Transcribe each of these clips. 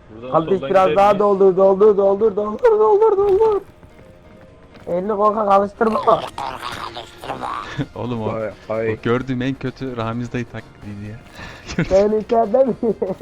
Buradan Kardeş soldan biraz gider daha miyiz? doldur. Elini korkak alıştırma. Oğlum o, Ay, o ay. gördüğüm en kötü Ramiz dayı taklidiydi ya. Sen içeride mi?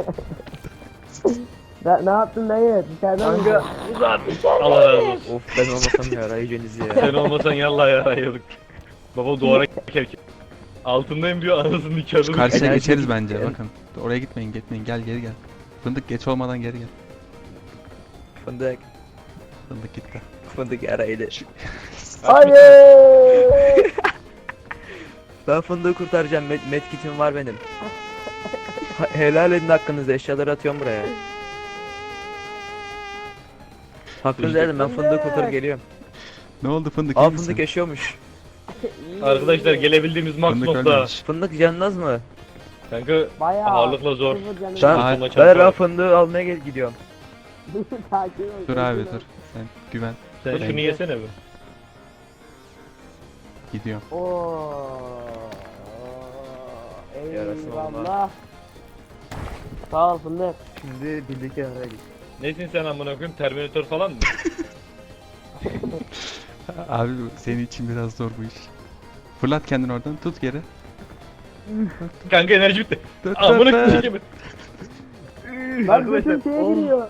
Ne yaptın dayı? Dışarıda Kanka mıydın? Uzat. Allah razı olsun. of ben olmasam ya arayıcınız ya. Sen olmasan yallah yarayıyorduk. Baba duvara kerken. Altındayım diyor anasını nikahını. Şu karşıya Enerji geçeriz gitti. bence bakın. Oraya gitmeyin gel geri gel. Fındık geç olmadan geri gel. Fındık. Fındık gitti. Fındık araydı. Hayır. Ben fındığı kurtaracağım. Medkit'im var benim. Helal edin hakkınızda. Eşyaları atıyorum buraya. Hakkınızı edin. Ben fındığı kurtarıp geliyorum. Ne oldu fındık? Aa iyi misin? fındık yaşıyormuş. Arkadaşlar gelebildiğimiz max Fındık nokta. ölmemiş. Fındık canınız mı? Kanka Bayağı. ağırlıkla zor. Sıfır canım. Şu an- Ben, Tutulma ben, çarpı ben var. fındığı almaya gidiyorum. Sakin ol. Dur abi dur. Sen güven. Sen Ben- şunu yesene bir. Gidiyorum. Oo. Yarasın Eyvallah. Sağ ol fındık. Şimdi birlikte araya git. Nesin sen amına koyayım? Terminator falan mı? Abi senin için biraz zor bu iş. Fırlat kendini oradan tut geri. Kanka enerji bitti. Dur, Amına dur, dur. koyayım. Lan bütün şeye giriyor.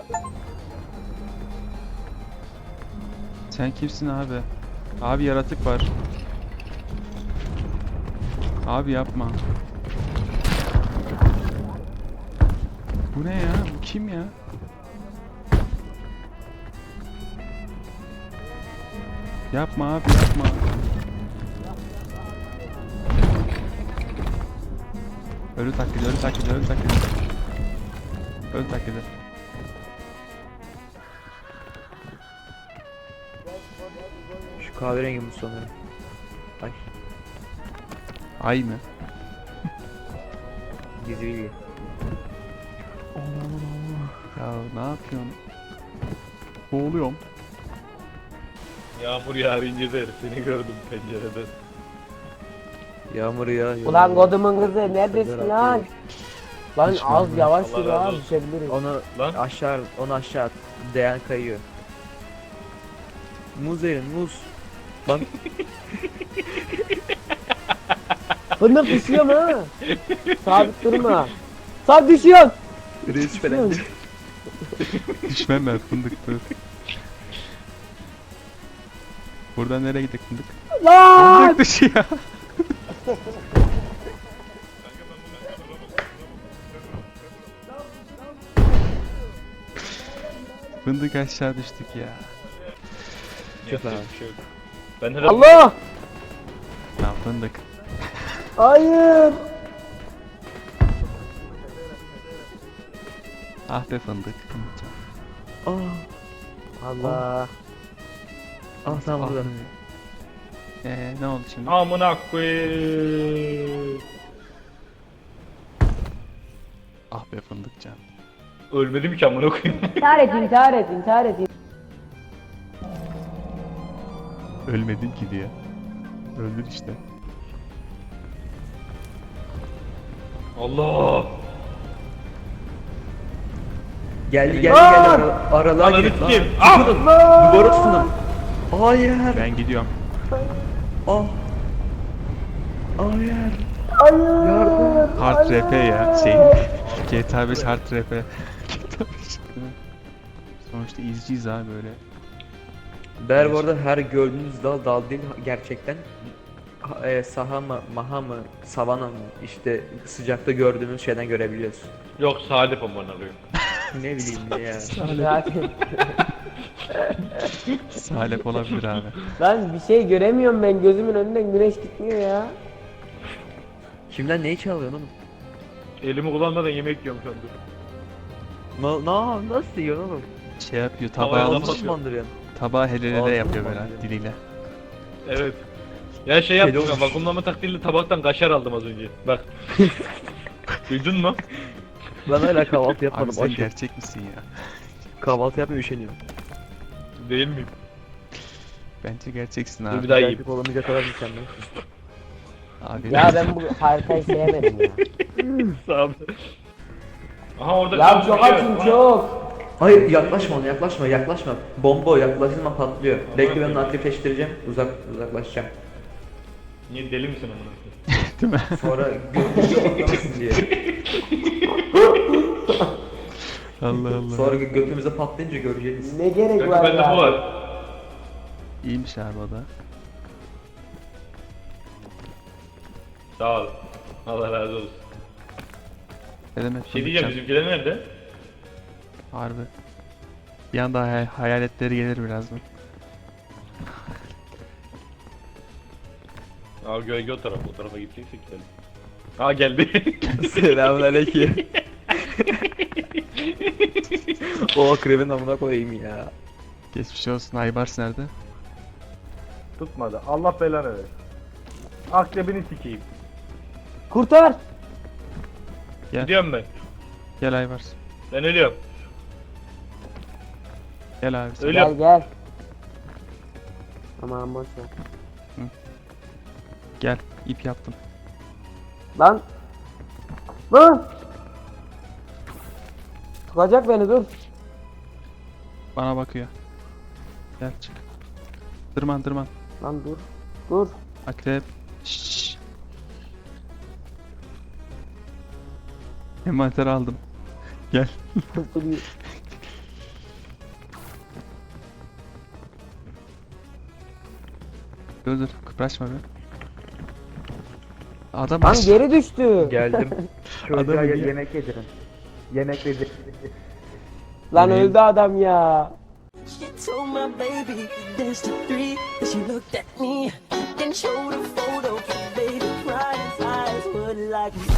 Sen kimsin abi? Abi yaratık var. Abi yapma. Bu ne ya? Bu kim ya? Yapma abi yapma. Ölü taklidi, ölü taklidi, ölü taklidi. Ölü taklidi. Şu kahverengi bu sanırım. Ay Ay mı? gizli. Ya ne yapıyorsun? Boğuluyorum. Yağmur yağınca der. Seni gördüm pencereden. Yağmur yağıyor. Ulan kodumun kızı neredesin lan? Lan Hiç az görmedim. yavaş Allah yürü razı abi olsun. düşebiliriz. Onu Lan. aşağı, onu aşağı at. Değen kayıyor. Muz verin, muz. Lan Fındık düşüyor mu ha? Sabit durma. Sabit düşüyor. reis falan. Düşmem ben fındık dur. Buradan nereye gittik fındık? Lan! Fındık düşüyor. Fındık aşağı düştük ya. Yapacak lan. bir şey yok. Ben herhalde Allah! Ya fındık. Hayır! Ah be fındık. Aa, Allah! ah tamam buradan. Ne oldu şimdi? amına koyayım. Ah be fındıkcan. Ölmedim ki amına koyayım. İntihar et. Ölmedim ki diye. Öldün işte. Allah. Geldi Aa! aralığa Ananı girip sikeyim. Ah! duvara tutunum. Hayır. Ben gidiyorum. Ah. Hayır. Hayır! Yardım. Hard RP ya şey. GTA 5 Hard RP. GTA 5. Sonuçta izciyiz abi böyle. Ber bu arada her gördüğünüz dal değil gerçekten. Saha mı, maha mı, savana mı işte sıcakta gördüğümüz şeyden görebiliyoruz. Yok Salip amına koyayım. Ne bileyim ya. Zaten. Salep olabilir abi. Lan bir şey göremiyorum ben gözümün önünden güneş gitmiyor ya. Kimden neyi çalıyorsun oğlum? Elimi kullanmadan yemek yiyorum şu anda. Nasıl yiyorsun oğlum? Şey yapıyor Havaya tabağı laf almış. atıyor. Nasıl mandırıyorsun? Tabağı helelele Ağzını yapıyor böyle bandırıyor. diliyle. Evet. Ya şey yaptım olmuş. ya vakumlama taktiğiyle tabaktan kaşar aldım az önce. Bak. Duydun mu? Ben hala kahvaltı Abi yapmadım. sen Açım. gerçek misin ya? Kahvaltı yapmaya üşeniyorum. Değil miyim? Bence gerçeksin Dur abi. bir daha yiyeyim. Gerçek olamayacak kadar mükemmel. Abi Ya ben bu haritayı sevmedim ya. Sağ ol. Aha orada Ya kalmış çok bir şey açım var. çok. Hayır yaklaşma ona, yaklaşma. Bomba o, yaklaştığın zaman patlıyor. Bekle, ben onu aktifleştireceğim. Uzaklaşacağım. Niye deli misin amına koyayım? Değil mi? Sonra götümüze patlamasın diye. Allah Allah. Sonra götümüze patlayınca göreceğiz. Ne gerek Kanka var bende bu ya? var. İyiymiş abi o da. Sağ ol. Allah razı olsun. Ne demek? Bir şey diyeceğim, bizimkiler nerede? Harbi. Bir anda hayaletleri gelir birazdan. Aa gölge o taraf, o tarafa gideceksek gidelim. Aa geldi. Selamünaleyküm. O akrebin amına koyayım ya. Geçmiş olsun. Aybars nerede? Tutmadı. Allah belanı ver. Akrebini sikeyim. Kurtar. Gidiyorum ben. Gel Aybars. Ben ölüyorum. Gel abi. sen. Ölüyorum. Gel. Aman boş ver. Gel. İp yaptım. Lan. Lan. Tutacak beni, dur. Bana bakıyor. Gel çık. Tırman. Lan dur. Dur. Akrep. Şşş. Envanter aldım. Gel. Dur. Dur. Kıpraşma be. Adam Lan geri düştü. Geldim. Çocuğa Adamı niye- yemek yedirin. Yemek yedirin. Lan öldü adam ya. She told my baby there's the three. Then she looked at me, then showed a photo. Baby cried, his eyes were like